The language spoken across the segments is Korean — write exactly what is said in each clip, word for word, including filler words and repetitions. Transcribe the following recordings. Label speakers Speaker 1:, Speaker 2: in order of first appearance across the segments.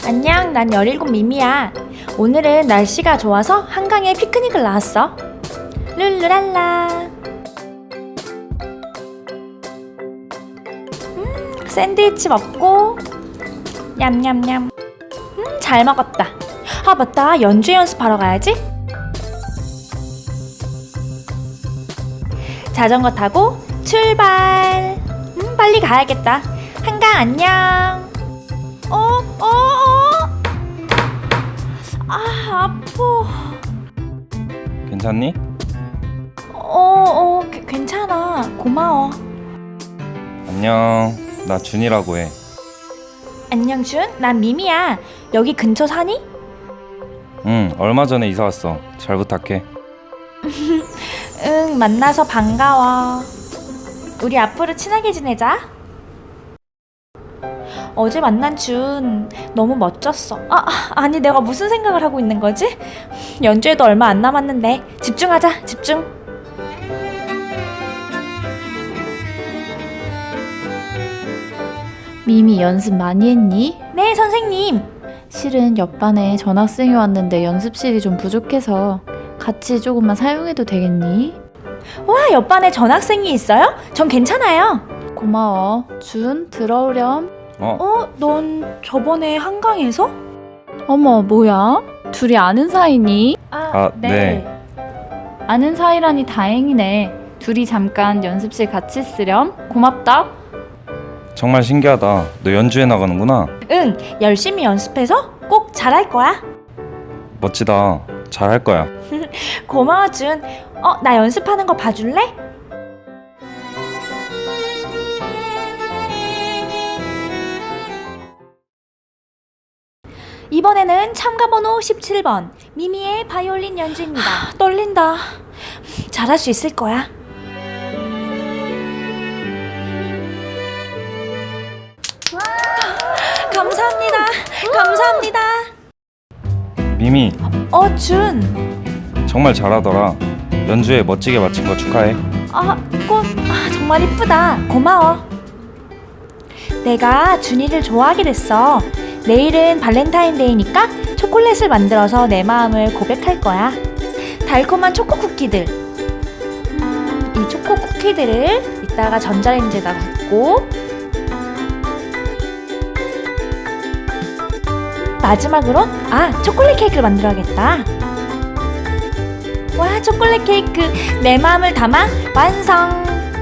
Speaker 1: 안녕, 난 열일곱 미미야. 오늘은 날씨가 좋아서 한강에 피크닉을 나왔어. 룰루랄라. 음, 샌드위치 먹고 냠냠냠. 음, 잘 먹었다. 아, 맞다. 연주 연습하러 가야지. 자전거 타고 출발. 음, 빨리 가야겠다. 한강 안녕. 어, 어, 어. 아, 아파.
Speaker 2: 괜찮니?
Speaker 1: 어, 어, 그, 괜찮아. 고마워.
Speaker 2: 안녕, 나 준이라고 해.
Speaker 1: 안녕, 준. 난 미미야. 여기 근처 사니?
Speaker 2: 응, 얼마 전에 이사 왔어. 잘 부탁해.
Speaker 1: 응, 만나서 반가워. 우리 앞으로 친하게 지내자. 어제 만난 준 너무 멋졌어. 아, 아니 내가 무슨 생각을 하고 있는 거지? 연주에도 얼마 안 남았는데 집중하자, 집중.
Speaker 3: 미미 연습 많이 했니?
Speaker 1: 네, 선생님.
Speaker 3: 실은 옆반에 전학생이 왔는데 연습실이 좀 부족해서 같이 조금만 사용해도 되겠니?
Speaker 1: 와, 옆반에 전학생이 있어요? 전 괜찮아요.
Speaker 3: 고마워. 준, 들어오렴.
Speaker 2: 어?
Speaker 1: 어? 넌 저번에 한강에서?
Speaker 3: 어머, 뭐야? 둘이 아는 사이니?
Speaker 2: 아, 네.
Speaker 3: 아는 사이라니 다행이네. 둘이 잠깐 연습실 같이 쓰렴. 고맙다.
Speaker 2: 정말 신기하다. 너 연주회 나가는구나.
Speaker 1: 응, 열심히 연습해서 꼭 잘할 거야.
Speaker 2: 멋지다. 잘할 거야.
Speaker 1: 고마워, 준. 어, 나 연습하는 거 봐줄래? 이번에는 참가번호 십칠 번 미미의 바이올린 연주입니다. 하, 떨린다. 잘할 수 있을 거야. 감사합니다. 감사합니다.
Speaker 2: 미미,
Speaker 1: 어, 준.
Speaker 2: 정말 잘하더라. 연주회 멋지게 마친 거 축하해.
Speaker 1: 아, 꽃. 아, 정말 이쁘다. 고마워. 내가 준이를 좋아하게 됐어. 내일은 발렌타인데이니까 초콜릿을 만들어서 내 마음을 고백할 거야. 달콤한 초코 쿠키들. 음, 이 초코 쿠키들을 이따가 전자레인지에다 굽고 마지막으로 아, 초콜릿 케이크를 만들어야겠다. 와, 초콜릿 케이크 내 마음을 담아 완성.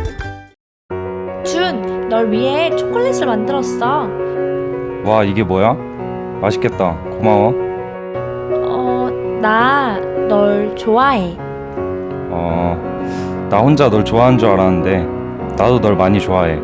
Speaker 1: 준, 널 위해 초콜릿을 만들었어.
Speaker 2: 와, 이게 뭐야? 맛있겠다. 고마워.
Speaker 1: 어, 나 널 좋아해.
Speaker 2: 어, 나 혼자 널 좋아하는 줄 알았는데 나도 널 많이 좋아해.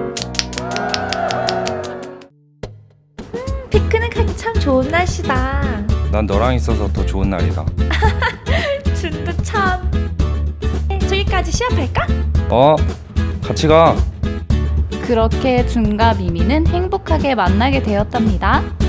Speaker 1: 피크닉하기 참 좋은 날씨다.
Speaker 2: 난 너랑 있어서 더 좋은 날이다.
Speaker 1: 준도 참. 저기까지 시합할까?
Speaker 2: 어? 같이 가.
Speaker 3: 그렇게 준과 미미는 행복하게 만나게 되었답니다.